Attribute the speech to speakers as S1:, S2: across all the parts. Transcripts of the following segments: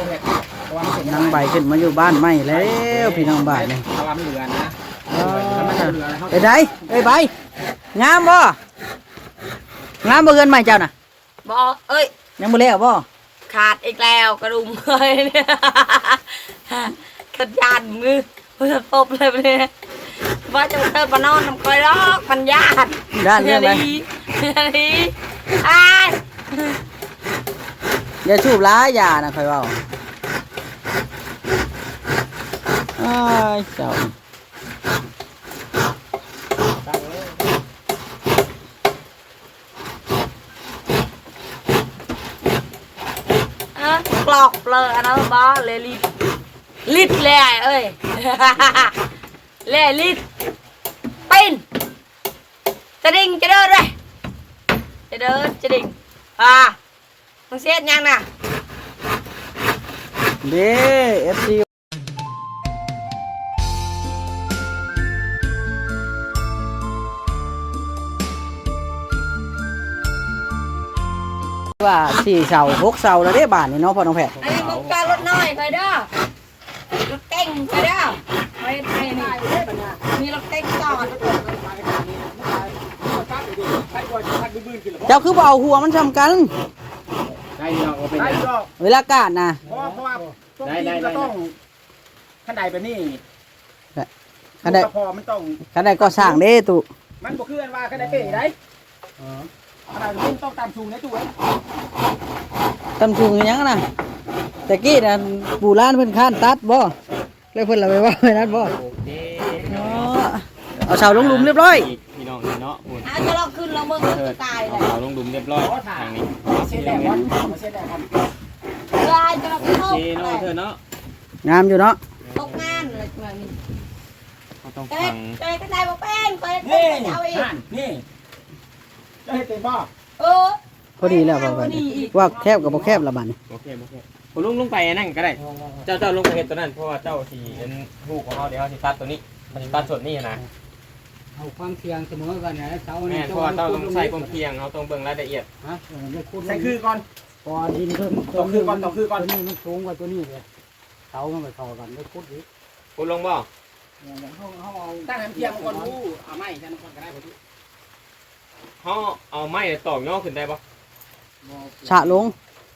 S1: นางใบขึ้นมาอยู่บ้านใหม่แล้วพี่น้องบ้านนี่
S2: ตะวันเหลือนะ
S1: ไปไหนไปใบงามบ่งามบ่เกินใหม่เจ้าน่ะ
S3: บ่เอ้ย
S1: ยังบ่แล้วบ่
S3: ขาดอีกแล้วกระดุมเลยเนี่ยขัดยันมือมือตบเลยเนี่ยว่าจะเติมมานอนน้ำก้อยลอกมันญาติ
S1: ด้านเรื่องอะไร
S3: นี่อ้าย
S1: อย่าชูบล้ายานะค่อยเว้าอ้ายเจ้า
S3: กรอกเลยอันนั้นบ้าเลยลิดเลยเอ้ยเลยลิดปินจะดิ่งจะเดินเลยจะเดินจะดิ่งมึงเสียดยังน่ะ
S1: เด้ FC ว่า4เสา6เสาแล้วเด้บ้านนี่เนาะพ่อน้องแพทย์
S3: อันนี้มึงการรถน้อยไปเด้อรถเก่งไปเด้อไปนี่มีรถเก่งจอด
S1: เจ้าคือบ่เอาหัวมันซ้ำกัน
S2: ได้ดอกเป็น
S1: เวลากาดนะ
S2: เพราะว่าได้ก็ต้องขั้นใดแบบนี้
S1: คันใด
S2: พอมันต้อง
S1: คันใดก็สร้างเด้ตุ
S2: มันบ่คืออันว่าขั้นใดเป๋ได้ขนาดนี้ต้องตามสูงในตู้เอ้ย
S1: ตำชุงอีหยังนะแต่กี้น่ะปู่ล้านเพิ่นค้านตัดบ่แล้วเพิ่นละไปว่าไว้นั้นบ่
S4: โอเค
S1: อ๋อเอาเสาลงหลุมเรียบร้อย
S4: พี่น้องเนาะบุญ
S3: จะลองขึ้นแล้วมึงจะตายเลย
S4: เอาลงดุมเรียบร้อยทางนี้
S2: เส้นแดงก่อนเส้นแดงก่อน
S3: จะลองขึ้น
S4: โอ
S3: โล
S4: เคเนาะเธอเนาะ
S1: งามอยู่เนาะ
S3: ตกงานเลยแบบนี้
S4: เขาต้อง
S3: เอ๊ะ
S4: ฟัง
S3: เอ๊ะก็ได้บอกเป็นเคย
S2: นี่
S3: เอาอีก
S2: นี่จะให้เต็มบ่
S1: พอดีแล้วบ่บัดนี้ว่าแคบกับบ่แคบละบัดนี้
S4: โอเคผมลงไปนั่นก็ได้ เจ้าลงไปเห็นตัวนั้นเพราะว่าเจ้าที่เป็นลูกของเขาเดี๋ยวที่ตัดตัวนี้มันตัดส่วนนี้นะ
S5: เอาความเคียงเสมอกันนะเสา
S4: แม่เพราะว่าเจ้าต้องใช้ความเพียงเอาต้องเบิ่งรายละเอียด
S5: ฮะไม่คูด
S2: ใส่คือก่อน
S5: พอดินเพิ่ม
S2: ต้องคือก่อนต้องคือก่อน
S5: ตัวนี้มันสูงกว่าตัวนี้เลยเสามันไปเข้ากันไม่คูดอีก
S4: คุณลงบ่
S5: เขาเอา
S2: ตั้งน้ำเทียมก่อนรู้เอาไม้ฉันก่อนก็ได้ผม
S4: เขาเอาไม้ตอกย่อขึ้นได้ปะ
S1: ฉะลง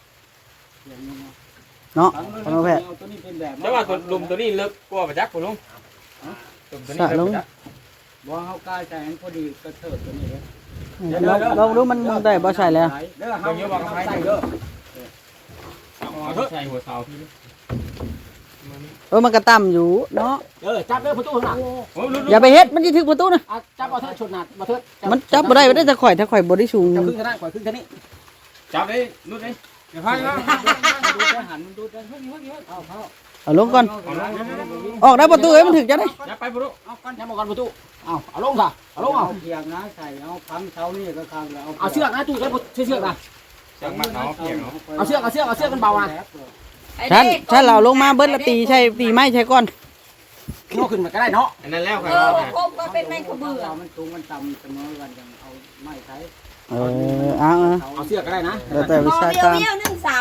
S1: เนาะพ่อน้องแพทย์
S5: ตัวนี้เป็นแบบ
S4: แต่ว่าตัวลุมตัวนี้เลิกกว่าประจักษ์คุณลุงลุมตัวนี้เลิกประจักษ์
S5: ว่าเขากล้าใจพอดีกระเถิดตัวนี้เลย
S1: ลองดูมันได้บ่ใช่แล้ว
S2: เด้อเขาเยอะบอกกับใครเด้อ
S4: เอาใส่หัวเสาพี่
S1: มันก็ต่ำอยู่เนาะ
S2: จับเด้อประตูข้างหลัง
S1: อย่าไปเฮ็ดมันสิถึกประตูนะ
S2: จับเอาเถิดชนหนักมาเถิด
S1: มันจับบ่ได้บ่ได้ถ้าข่อยบ่ได้สูง
S2: จับครึ่งเท่านั้นข่อยครึ่งเท่านี้
S4: จับเลยรุดเลย
S2: เดี๋ยวพังนะ
S5: ดูได้หันมันดูได้เฮ้ยเอาเขา
S1: เอาลงก่อนออกได้ประตูเอ้ยมันถึกจะได้
S4: อย่าไปปุ๊บ
S2: เอาก้อนยับมาก่อนประตูเอาลงค่ะเอาลงเอา
S5: เคียงนะใส่เอาพังเสานี่ก็ทางแล้ว
S2: เอาเชือกนะตู้ใช้เชือกนะ
S4: จังมัดเนาะเพียงเนาะ
S2: เอาเชือกกันเบาอ่ะ
S1: ฉันเราลงมาเบิดละตีใช่ตีไม้ใช่ก่อน
S2: โน่ขึ้นมาก็ได้เนาะ
S4: อันนั้นแล้วครับ
S3: คมก็เป็นแมงกระเบือ
S5: มันสูงมันต่ำเสมอกันยังเอาไม้ใช้
S1: เอา
S2: เอาเชือกก็ได้นะ
S1: แล้วแต่วิ
S3: มอ
S1: ชา
S3: เดียว
S1: การ
S3: เดียว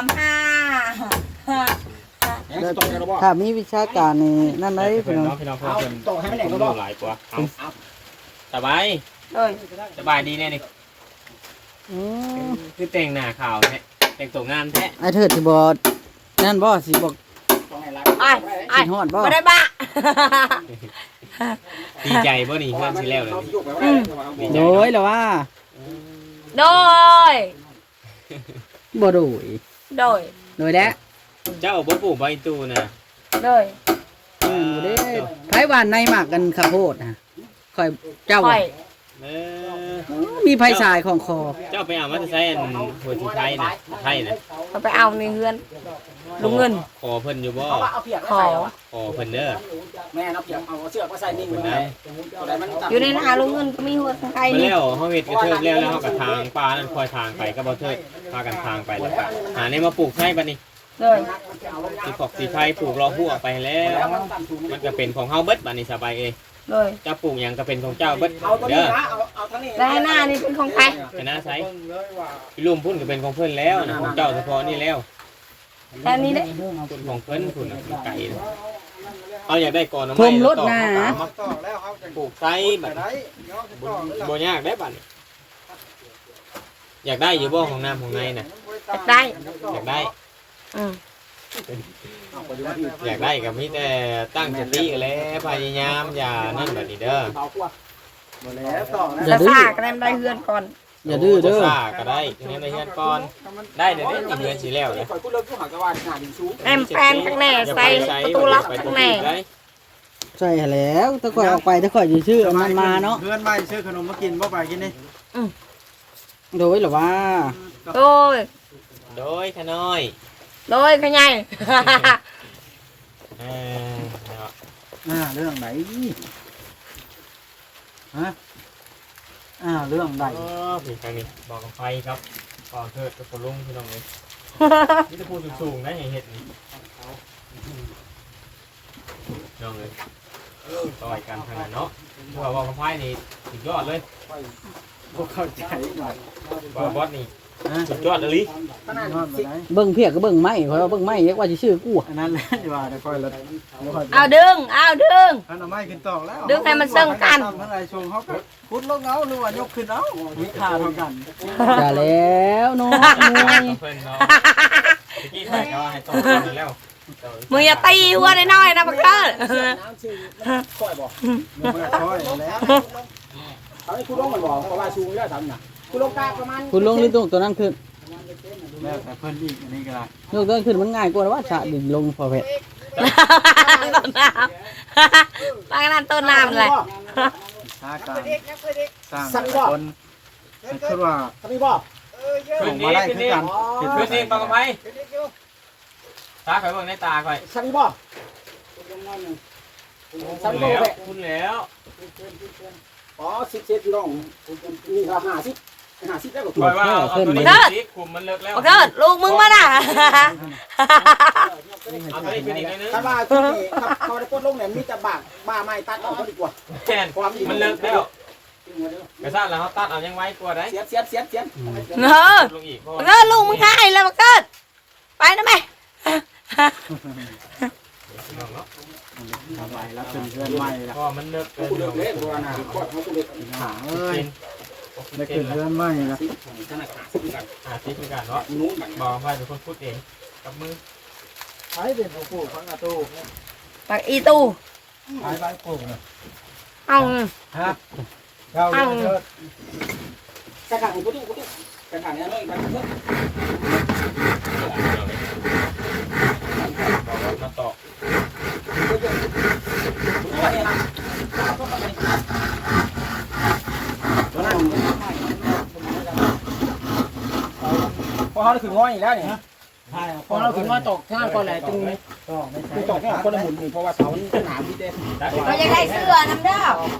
S3: 135
S1: ถ้ามีวิชาการนี่นั่นได้
S4: พี่
S1: พี่น้อง
S4: น้องพี่น้องเพื่อน
S2: ตกให้มันแหลก
S4: ดู
S2: ก็
S4: หลายกว่าสบาย
S3: เอ้ย
S4: สบายดีแน่นี่คือแต่งหน้าขาวแท้แต่งตัวงานแท้
S1: ไอ้เถิดสิบ่นั่นบ่สิบ่
S3: ไอ้
S1: สิฮอดบ่
S3: ไม่ได้บ้า
S4: ดีใจบ่นี่เพื่อนสิแล้วเลย
S1: โดยแล้วว่า
S3: โดย
S1: บ่โดย
S3: โดย
S1: โดยแล้ว
S4: เจ้าบ่ปลูกใบตูน่ะ
S3: โดย
S1: บ่ได้ไผหวานในหมากกันข้าวโพดนะค่อยเจ้า
S3: ค่อย
S4: เออ
S1: มีไผสายของคอ
S4: เจ้าไปเอามาจะใช้อันหัวที่ไทยน่ะไทยน่ะ
S3: เอาไปเอาในเฮือนลุงเงิน
S4: ขอเพิ่นอยู่บ่
S2: เอาเพียก
S3: ขอ
S4: ขอเพิ่นเด้อ
S2: แม่เอาเพียกเอาเชือกมาใส่นิ่ง
S4: เพิ่น
S2: เล
S4: ได้
S2: ยตัวไหนมันตัด
S3: อยู่ในนาลุงเงินก็มีหัวสังไก่
S4: มา
S3: นี่
S4: แล้วเฮาเฮ็ดกระเทิบแล้วเฮาก็ทางปลานั่นคอยทางไปก็บ่เทิดพากันทางไปแล้วก็หาในมาปลูกให้บัดนี้
S3: เลย
S4: สิขอกสิไทยปลูกรอหัวไปแล้ว มันก็เป็นของเฮาเบิดบัดนี้สบายเอ้ย
S3: เลย
S4: เจ้าปลูกหยังก็เป็นของเจ้าเบิด
S2: เอาตัวนี้
S4: เด้อ
S2: นะเอาทั้งนี้
S3: และหน้านี่เป็นของใคร
S4: ไปนะไสพี่ลุมพุ่นก็เป็นของเพิ่นแล้วนะของเจ้าเฉพาะนี่แล้ว
S3: แค่นี้เด้
S4: ของเพิ่นคุณไก่เอาอยากได้ก่อนนะ
S1: ทมรถนะ
S2: ต่อแล้วเขาจะ
S4: ปลูกไซแบบ
S2: ได้เนาะต่อแล้ว
S4: บ่ยากได้บัดอยากได้อยู่บ่ของน้ำของในน่ะ
S3: ได้
S4: อยากได้
S3: อืม
S4: อยากได้ก็มีแต่ตั้งสติกันแล้วพยายามอย่านั่นแบบนี้เด้อ
S2: เบากว่าหมดแล้วต่อ
S1: อย่า
S3: จะ
S1: ดื้อ
S3: ซ่าก็ได้เฮือนก่อน
S1: อย่าดื้อเด้อ
S4: ซ่าก็ได้ทีนี้ในเฮือนก่อนได้เดี๋ยวนี้เฮือนสิแล้วเลย
S2: คอยพูดเรื่องผู้หาจังหวัดหาดินสูง
S3: แอมแปนข้างในใส่ประตูล็อกข้างใน
S1: ใช่แล้วถ้าข่อยออกไปถ้าข่อยสิชื่อมันมาเนาะ
S2: เพื่อนไม่ซื้อขนมมากินบ่ไปกินนี่
S1: โดยเหรอว่า
S3: โดย
S4: โดยขน้อย
S3: โดยขยาย
S4: เออ
S5: เรื่องไหนฮะเรื่องใด
S4: ผิดทางนี้บอกกับไฟครับก่อนเถิดกับคนลุงพี่น้องเลยนี่จะพูดสูงๆนะอย่างเห็ดนี่น้องเลยต่อยกันทางนั้นเนาะเพราะว่าบอกกับไฟนี่สุดยอดเลย
S5: พวกเข้าใจหน่อย
S4: บอสนี่สุดยอดเลยลิ
S2: ขนาด
S5: นอนไปไหน
S1: เบิ่งเพียกก็เบิ่งไม้ข่อยว่าเบิ่งไม้เรียกว่าสิชื่อกู
S5: อันนั้นแหละดีว่าเดี๋ยวค่อยละ
S3: เอาดึงเอาดึง
S2: ขนมไม่กินต่อแล้ว
S3: ดึงให้มันเซิงกัน
S2: ทำอะไรชงเขาก็พุดลงเอาหรือว่ายกขึ้นเอา
S5: มีค่าเท่ากัน
S1: อย่าแล้วเนาะมวย
S4: เพื่อนเนาะเมื่อกี้ใครก็ให้ต้องกันแล้ว
S3: มึงอย่าตีหัวน้อยๆนะบักเกอร์
S2: น้ำชื่อค่อยบอกมันค่อยแล้วเขาให้คุณลงมันบอกเพราะว่าชูไม่ได้ทำนะคุณลงกาประมาณ
S1: คุณลงนี่ตรงตัวนั้นขึ้น
S5: แม่แต่เพิ่นอีกอันนี้ก็ได้
S1: ยกตัวนั้นขึ้นมันง่ายกว่าว่าสะดินลงพอเพชร
S3: ต้นน้ำปลากระนั้นต้นน้ำเลย
S5: ค่าการสร้างคนคือว่า
S2: ทำไมบอก
S4: ขึ้นนี้ขึ้นนี้ขึ้นนี้ปากกระไพตาข่อยเบิ่งในตาข่อย
S2: ทำไมบอก
S4: คุณแล้วคุณแล้ว
S2: อ๋อ10 เซนพี่น้องนี่ก็50ได้กว่า
S4: ข่อยว่าเอาตัวนี้สิคุมมันเลิกแล้ว
S3: บักเกอร์ลูกมึงมาน่ะ
S4: เอาตัวนี้ขึ้นอีกนิดนึง
S2: ถ้าว่าที่นี่เขาได้ปลดลงเนี่ยมีแต่บ้าไม้ตัดออกก็ดีกว่า
S4: แทนมันเลิกแล้วกระซ่าแล้วเขาตัดเอายังไว้กลัวได้
S2: เสียบ
S3: เออ
S4: ลงอีก
S3: บักเกอร์ลูกมึงง่ายเลยบักเกอร์ไปนะแม่
S5: สบายแล้วเป็นเพื่อนใหม่ละ
S4: พอมันเลิกเกิน
S2: กูเลิกเล่นตัวน่ะกดเขากูเลิก
S5: หาเอ้ยได้เป็นเพื่อนใหม่ละ
S2: ขนาดขาสิบกัน
S4: ทิศเหมือนกันเนาะ
S2: นู้นกัน
S4: บอกไปเป็นคนพูดเองกับมือ
S5: ใช้เป็นผู้ปลูกฟังอาตู
S3: ปักอีตู
S5: ใช้ใบปลูกนะ
S3: เอา
S5: ฮะเราเลิศ
S2: กระถางกูดิกระถางเนี่ยน้อยกันเพิ่ม
S4: มาต่อ
S2: พอเขาถึงง้อยแล้วเนี่ย
S5: ใช่
S2: พอเราถึงง้อยตกข้างก่อนแหละจึง
S5: ก็ไม่ใช่
S2: ตกเนี่ยคนละหมุนเพราะว่าเสาหนาพี่เต้
S3: เราจะได้เสื้อน้ำเด้อ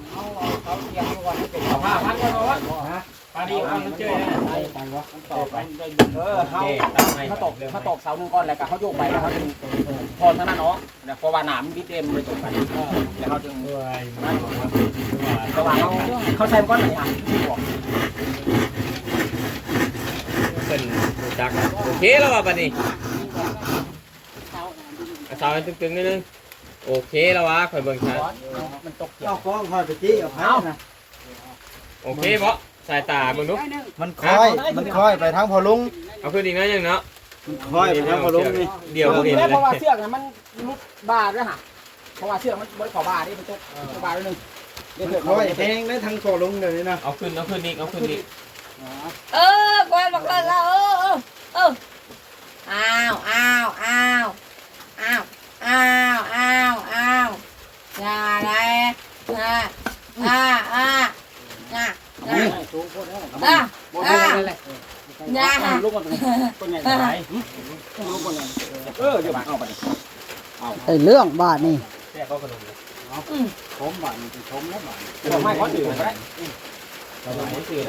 S4: เอาผ้าพันกันมาวัดปาดีเอามันเจอ
S5: ไปวะ
S2: ต่อไปเขาตกเสาหนึ่งก้อนแล้วก็เขาโยกไปแล้วเขาจึงพอเท่านั้นเนาะเพราะว่าหนามพี่เต้มันเลยตกไปแล้วเขาจึง
S4: ด้วย
S2: ระหว่างเขาใช้ก้อนไหนอ่ะ
S4: เป็นจักโอเคแล้วว่ะปานี่สาวตึงๆนิดนึงโอเคแล้ววะคอยเบิ่งชัด
S2: มันตก
S5: เอาฟ้องคอยไปจี้เอาไผ่นะ
S4: โอเคบ่สายตาเบิ่งดู
S5: มันคอยไปทางพอลุง
S4: เอาขึ้นอีกนะยังเนาะ
S5: มันคอยไปทางพอลุงนี่
S4: เดี๋ยวเราเห็น
S2: เพราะว่า
S4: เลย
S2: เชือกมันลุกบาด้วยฮะเพราะว่าเชือกมันบริขอบาดิมันตกบาด้วยนึง
S5: คอยแทงได้ทางพอลุงเดี๋ยวนี้นะ
S4: เอาขึ้นอีกเอาขึ้นอีก
S3: กวนบักเกอร์แล้วอ้าวอย่าเลยอย่า
S2: ลุกมาตรงนี้ต้นใหญ่ไหนลุกมาเลยเดี๋ยวเอาไป
S1: ไอ้เรื่องบาทนี่
S4: แค่ก็กระดมเลย
S5: ชมบ้านนี่ชมแล้วบ้าน
S2: บอกไม่เขาถือไปได้
S4: กระดมไม่ตื่น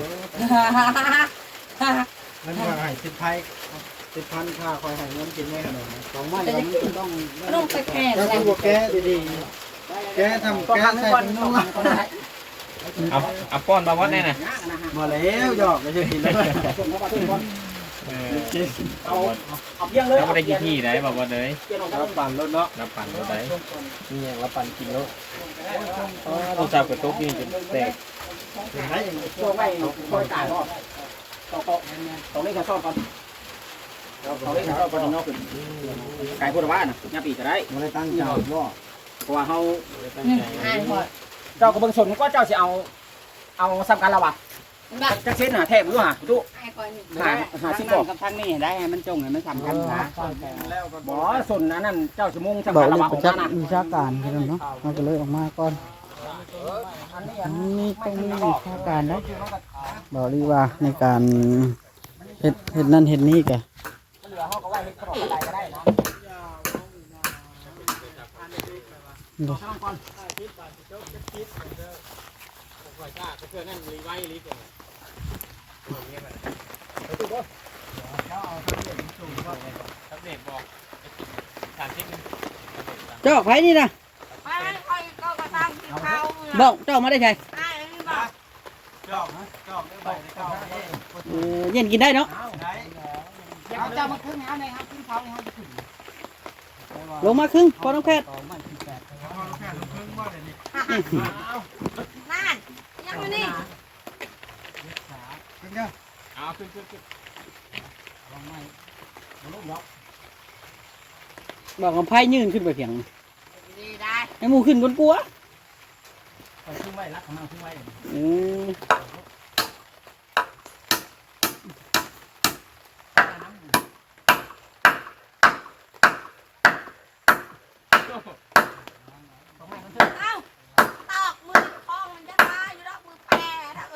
S5: นั่นว่าให้10,000ค่าคอยให้เงินกินแม่ขนม2ไม้ต้อง
S3: ลูกไปแข่ง
S5: แล้ว
S3: เลย
S5: ตัวแกดีๆแกทำแกใส่เป็นนุ่ง
S4: เอาป้อนมาวัดแน่น่ะ
S5: มาแล้วหยอกไม่ใช่กินแล้ว
S2: เอาเพียงเลย
S4: เราไม่ได้กี่ที่ไหนบอกว่าเลย
S2: เกี่ยวกับ
S5: รับปั่นรถเนาะ
S4: นับปั่นรถไหน
S5: นี่ยังรับปั่นกินรถ
S4: ตัวจับกับโต๊ะนี่จะแตก
S2: ช่วงไม่ช่วยจ่ายก็ต้องเล่นแค่ซ่อนก่อนต้องเล่นแค่ซ่อนก่อนนอกเป็นไก่พูดว่าน่ะยาปีจะได้
S5: ไม่ได้ตั้งใจว่า
S2: เพราะว่าเขา
S3: อ่านพอ
S2: เจ้ากับเบิ้งชนก็เจ้าจะเอาสำคัญเราอ่ะ
S3: บ้า
S2: จะเส้นหาแทบรู้หาดู
S3: ไอ้ก่อนนี่
S2: หาสิบอก
S6: กับทางนี้ได้ให้มันจงให้มันสำคัญนะ
S5: แล้วก็
S2: บ่สนนั่นเจ้าชั่วโมงสำ
S1: บอ
S2: คั
S1: ก
S2: ญ
S1: เล
S2: เรา
S1: ย
S2: ว่า
S1: ป
S2: ของ
S1: ระจั
S2: มั
S1: ก
S2: น
S1: ษ์วิชาการพี่น้องเนาะมันก็เลยออกมาก่อนนี่ต้องมีวิชาการนะบอกเลยว่าในการเฮ็ดนั่นเฮ็ดนี่แก
S2: เหลือเขาก็ไว้ขนมอะไรก็ได้นะ
S4: ตับเด็กบอก30นึง
S1: เจ้าไผนี่นะ
S3: ไปคอยก็กระทำที่เขา
S1: บอกเจ้ามาได้ไง
S3: ไอ้นี่บอก
S5: จอกนะจอกได้ใบได้เก้า
S1: เย็นกินได้เนาะ
S5: ได้
S6: เอาเจ้ามาขึ้นเอาในครับขึ้นเขาในครับขึ้น
S1: ลงมาครึ่งพอน้องแพทย์
S5: แค่ลูกครึ่งว่าเดี๋ยวนี้
S3: นั่นยังไม่นี่
S5: ขึ้นเนี่ย
S4: เอาขึ้น
S1: บอกกับไพ่ยืนขึ้นไปเพียง
S3: ดีได้
S1: ให้หมูขึ้นบนกลัว
S2: ไปขึ้นไว้รักของมันขึ้นไว้
S1: อืม
S3: เอ้าตอกมือคล้องมันจะตายอยู่ดอกมือแปรนะ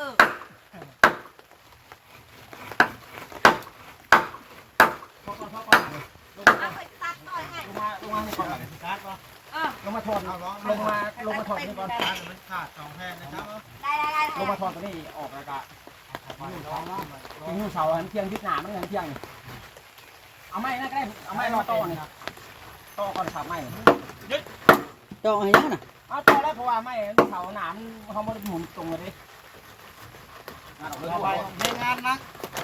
S3: เอาไปตัดต่อยให้
S2: ลงมาให้ก่อน
S5: การ์ดป่ะ
S2: ลงมาทอน
S5: เอาล้อ
S2: ลงมาทอนนี่ก่อน
S5: การ์ดมันขาด2แผ่นนะครับ
S3: ได้
S2: ลงมาทอนตัวนี้ออกแล้วก็เสาเที่ยงยึดหนามันเที่ยงเอาไม้นะก็ได้เอาไม้รอต่อนี่ต่อก่อนขับไม้
S1: เจ้าให้ยังน่ะ
S2: เอาต่อแล้วเพราะว่าไม้เสาหนามเขาไม่ได้หมุนตรงเลยงานออกเลย
S5: เอาไปในงานนะ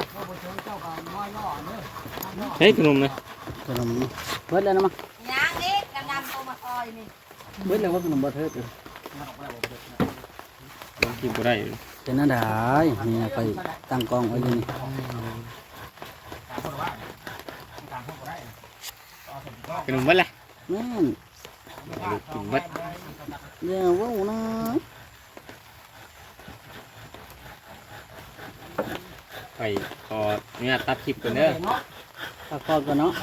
S4: เฮ้ยขนมนะ
S1: ขนมเบิดแล้วนะมั้ง
S3: ย่างนี้กำลังโตมาคอยนี่
S1: เบิดแล้วว่าขนมบ่เทิดอยู่
S2: งานออกแล้ว
S4: ลองกินก็ได้
S1: เป็นนั่นได้นี่นะไปตั้งกองไว้อยู่นี่
S2: การพูดว่าการพูดได้
S4: ขนมวัดแหละ
S1: นั่น
S4: กินวัด
S1: อย่าเว้านะ
S4: ไปขอเนี่ยตัดคลิปกันเด้อ
S1: พักผ่อนก่อนเนาะ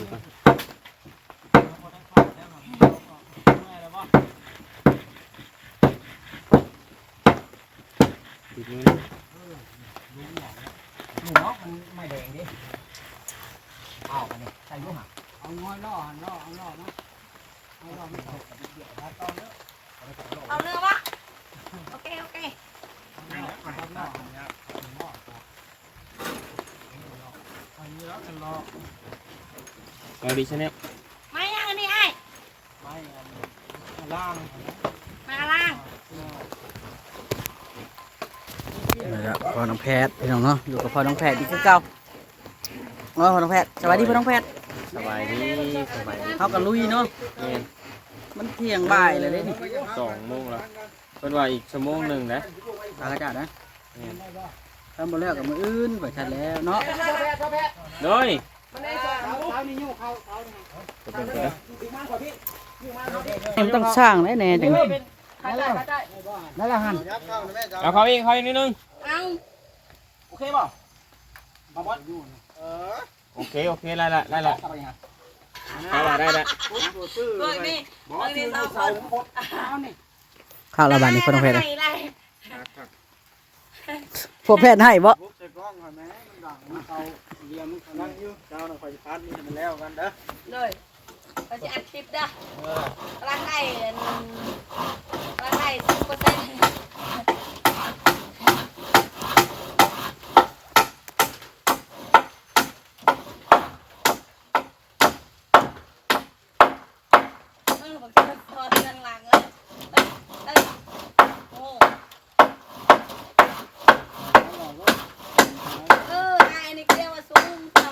S4: ปิดมือ
S2: หนูเนาะมันไม่แดงดิเอาไปเลยใส่ลูกหา
S6: เอาง้อยล่อเนาะเอาล่อไม่ตก
S3: เอาเนื้อวะโอเค
S4: เอาดิฉันเนี่ย
S3: ไม่ยังอันนี้ไอ้
S5: ล่าง
S3: มาล่าง
S1: นี่แหละพ่อน้องแพทย์พี่น้องเนาะอยู่กับพ่อน้องแพทย์อีกคือเก่าพ่อน้องแพทย์สวัสดีพ่อน้องแพทย์
S4: สบายดีสบายดี
S1: เฮากับลุยเนาะ
S4: เนี่ย
S1: มันเที่ยงบ่ายเลยเด้นี่
S4: 2 โมงแล้วเป็นว่าอีกชั่วโมงหนึ่งนะ
S1: ตากระจาดนะทำบ่แล้วกับมืออื่นไปชัดแล้วเนาะ
S4: โดย
S6: เขานี่ยุ่งเขา
S4: จะเป็นกันนะ
S1: มันต้องสร้างแน่ๆจัง
S6: นั่นแหละหัน
S5: ยับเข้านะแม่จ้า
S4: เอาเขาอีกนิดนึง
S3: เอา
S2: โอเคป่ะมาบอส
S4: โอเคไล่ละ
S2: ทำอะไรฮะ
S4: เอาละได้ละ
S3: เบิกนี่เบิกนี่สองคน
S6: เอานี่
S1: ข้าวละบาทนี่พ่อน้องแพทย์
S3: ไล่
S1: พวกแพทย์ให้บ่
S5: ปุ๊บใส่กล้องก่อนแม่มันดังมันเขาเรียมมันนั่งอยู่เจ้าหน่อยคอยพัดนี่มันแล้วกันเด้อ
S3: เลยเราจะอัดคลิปนะร่างได้10%บอกจะพอเรื่องหลังโอ้ไอ้นี่เรียกว่าสูง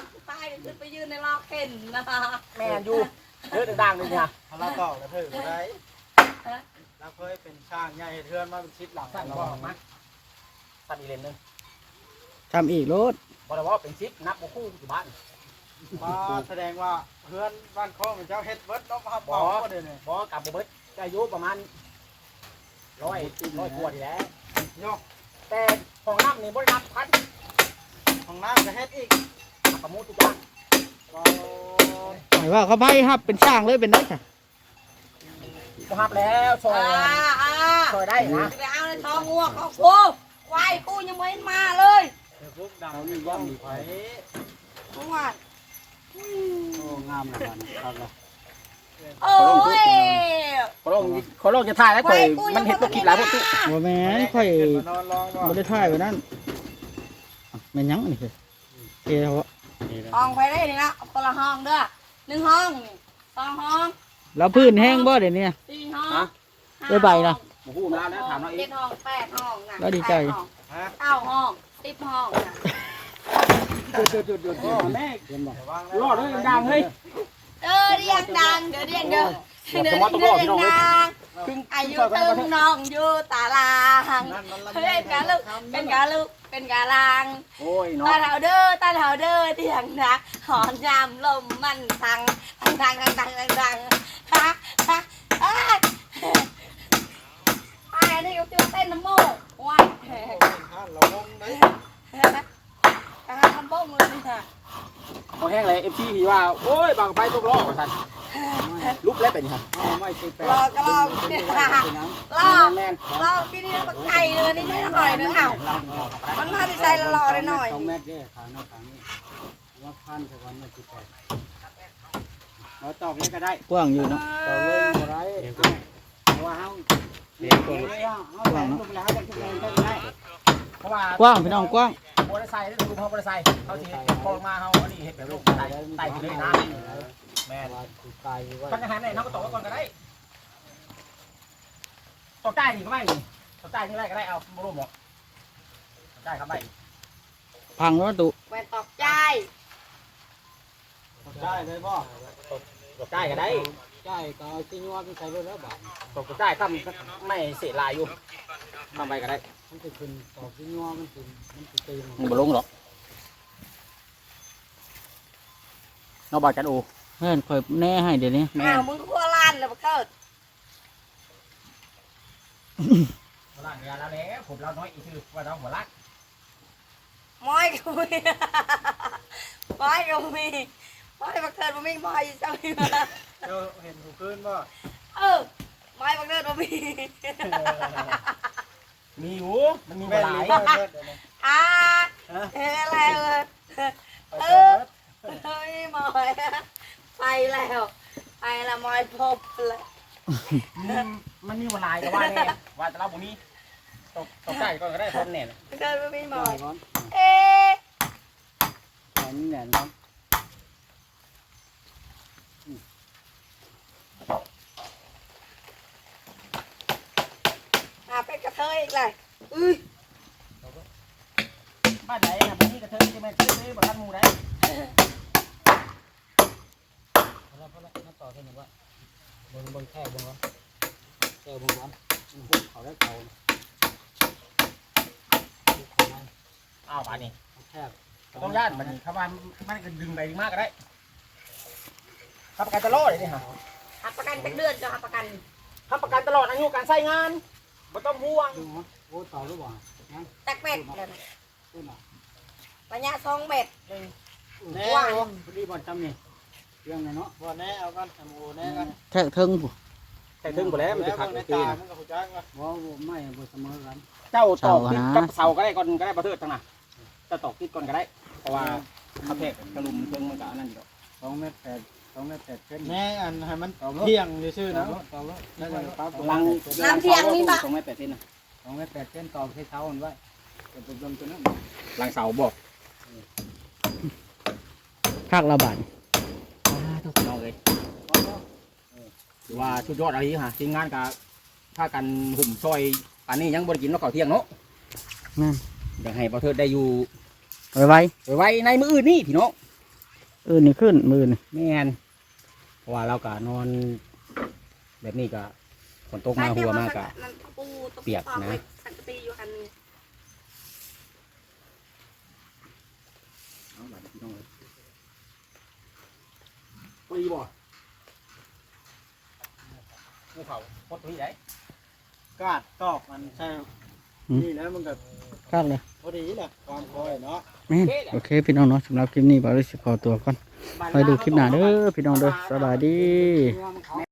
S2: ม่นอยู่เด้อดังๆเลยเนี่ย
S5: เราตอกกระถือได้เราเคยเป็นช่างใหญ่เทือนมาเป็นชิดหลัง
S2: สั่น
S5: เรา
S2: บ่มาสั่นอีเลนนึง
S1: ทำอีกโลด
S2: บ่ได้ว่าเป็นชิปนับบ่คู่อยู่บ้าน
S5: มาแสดงว่าเพื่อนบ้านข้อมันเจ้าเฮ็ดเบิร์ดน้องครับบอกก็เดี๋ยวนี้
S2: บ่กลับบ่เบิดอายุประมาณ100กว่าทีแล้ว
S5: ยก
S2: แต่ของน้ำนี่บ่ได้นับพัน
S5: ของน้ำจะเฮ็ดอีก
S2: ประมูลทุกอย่าง
S5: เรา
S1: หมายว่าเขาไพ่ครับเป็นช่างเลยเป็นได้ค่ะ
S2: บ่ฮับแล้วซอยซอยได้นะ
S3: ไปเอาในท้องงัวของกูควายกูยังไม่มาเลย
S5: เดี๋ยวพวกดังนี่ย่อมมีไฟ
S3: เมื่อวาน
S5: โอ้งามเลยครับละ
S3: โอ้ย
S2: ขอลองจะถ่ายแล้วข่อยมันเห็นตัวคลิปหลายพวกตู้
S1: บ่แม่นค่อย
S5: นอนรองก่อน
S1: บ่ได้ถ่ายไว้นั่นแม่นยังนี่คือเกี่ยว
S3: ห้องไปได้นี่นะคนละห้องเด้อ1 ห้อง2 ห้อง
S1: แล้วพื้นแห้งบ่เดี๋ยวนี้
S3: 4 ห้อง
S1: ได้ใบนะ
S2: บ่ฮู้มาแล้วถามเราเอง
S3: 7 ห้อง8 ห้องนะ
S1: แล้วดีใจ
S5: ฮะ
S3: 9 ห้อง10 ห้องนะ
S2: หยุดแม่
S5: เห็นบอก
S2: รอดเลยดังเฮ้ย
S3: เรียกดังเดี๋ยวเรียกเด้อเดี๋ยวเรียกดังอายุตึงน้องอยู่ตารางเป็นกะลูกเป็นกะลูกเป็นกะลาง
S2: โอ้ย
S3: ตา
S2: เนาะ
S3: เถาเด้อตาเถาเด้อเตียงนะหอนยามลมมันทังฮะไอ้นี่ก็จะเต้นน้ำโม่ว้าย
S5: ท่านเราวงได้
S3: ทำบ้งเลยค่ะ
S2: พอแห้งเลย FC ที่ว่าโอ้ยบางไฟตกล้อว่าซั่นลุกแล้วเป็นฮะ
S5: ไม่ติดแป
S3: รอก็รอ
S2: แม่น
S3: รอที่นี่มันไก่เลยนี่ไม่อร่อยนึงอ้าวมันมาที่ใจละรอเลยหน่อย
S5: 2 เมตรเด้ขานอกขางนี้ว่าพันสักวันไม่ติดแปเราตอกเลยก็ได้
S1: กว้างอยู่เนาะ
S5: ตอกเลยก็ได้เพราะว่าเฮาเลี้ยงตัวเฮาแหลมลูกแล้วจะทุกเองก็ได้
S2: เพราะว่าก
S1: ว้างพี่น้องกว้าง
S2: บ่ได้ใส่ได้ดูเขาบ่ได้ใส่เขาสิพอมาเฮาอันนี้เฮ็ดแบบลูกไต่ไต่เลยนะแม่น
S5: ว่าติดตายว่า
S2: พันอาหารไหนเฮาก็ตอกไว้ก่อนก็ได้ตอกใต้นี่ก็ไม่นี่ตอกใต้นี่ได้ก็ได้เอาบ่รู้หมดตอกใต้ครับได้
S1: พังแล้วตุ
S3: แหวนตอกใจ
S5: ได้เลยบ่
S2: ตอกใต้ก็ได้
S5: ใช่ก็เอาที่ยัวไปใส่รถแล้วบาท
S2: ตอกใต้ทำไม่เสียลายอยู่ทำไปก็ได้
S5: มันจะขึ้นตอกที่ยัวมันขึ้นมันจะตีมัน
S2: มันบ่ลงหรอกเนาะบ่จันโอ
S1: เพื่อนคอยแน่ให้เดี๋ยวนี้
S2: แม่
S3: อ้าวมึงก็ล้านเลยมาเกิด
S2: หัวลักยาแล้วแหละผมเราน้อยอีกคือว่าเราหัวลัก
S3: ม้อยก็มีม้อยก็มีม้อยมาเกิดมาไม่ม้อยจังเลย
S5: เจ้าเห็นถูกขึ้นบ่
S3: ม้อยมาเกิดมามี
S2: มีอยู่มันมี
S5: แม่
S2: ห
S5: น
S2: ลา
S5: หรื
S2: ย
S5: อบ่เบิดเดี๋ยวนี้
S3: อะไรเฮ้ยม้อยไปแล้วม้อยพบเลย
S2: มันมีหลายก็ว่าแน่ว่าแต่เราบ่มีตกใจก็ได้ทนแน่
S3: เกิดมาไม่ม้อย
S5: ก่อน
S3: เอ๊ะ
S5: แหนแหนเนาะ
S3: เป็นกระเทยอีกเลยอุ้ย
S2: บ้านไหนนะบ่มีกระเทยจะแม่นซื้อบ่ทันหมู่ได้
S5: พอแล้วมาต่อเท่านี้ว่าเบิ่งแค่เบิ่งก่อนแค่เบิ่งก่อนเขาได้เขา
S2: อ้าวบาดนี้
S5: แค่
S2: ต้องย่านบัดนี้ครับว่ามันก็ดึงไปดึงมากก็ได้ครับประกันตลอดเลยนี่ฮะ
S3: หักประกันเป็นเดือนจะหักประกัน
S2: ครับประกันตลอดอายุการใช้งานบ่ต้องห่วง
S5: ดูมั้ยโอ้ต่อหรือเปล่างั้น
S3: ตักเม็ดเลย
S5: ขึ้นอ่ะ
S3: ระยะ2 เม็ด
S5: แน่พอดีบ่จำนี่เรื่องเนาะบ่แน่เอากันทำโอแน่กัน
S1: แค่เทิงผู้
S2: แต่ถึงบ่แล้วมันจะขัด
S5: ใน
S2: ตี
S5: ตาน มันก็ฮู้จักว่าบ่ไม่บ่เสมอกัน
S2: เจ้าตอกติดกับเสาก็ได้ก่อนก็ได้ประเทิดทั้งน่ะจะตอกติดก่อนก็ได้ เพราะว่าเขาแทกกระลุมเพิ่งมันก็อันนั้นอยู่
S5: 2 เมตร 8 2 เมตร 8เซนแน่อันให้มันเที่ยงซื่อๆนะต่อแล้วได้ปั๊บ
S2: ลัง 2 เมตร 8 เซนนะ
S5: 2 เมตร 8เซนต่อให้เท้ามันไว้เป็นต้นตัวนั้น
S2: ลังเสาบอก
S1: คักระบาด
S2: น้องเลยว่าชุดยอดอะไรฮะทีมงานกับถ้ากันหุ่มซอยอันนี้ยังบริกินแล้วก่อเที่ยงเนาะ
S1: นั่น
S2: อยากให้ประเทิดได้อยู่
S1: ไว้
S2: ไว้ในมืออื่นนี่พี่น้อง
S1: นี่ขึ้นมือนี่
S2: แม่นเพราะว่าเราก็นอนแบบนี้ก็ฝนตกมาหัวมากอะเปียกนะ
S3: สังกะตีอยู่คันนึง
S2: เอาหลานพี่น้องเลยปีบ่ภูเขาพดที่ไหน
S6: กาดตอกมันใช่นี่แล้วมันก็
S1: ครับเลย
S6: พอดีแหละความคอยเนาะ
S1: แม่นโอเคพี่น้องเนาะสำหรับคลิปนี้บ่าวเลยสิขอตัวก่อนไปดูคลิปหน้าเด้อพี่น้องเด้อสบายดี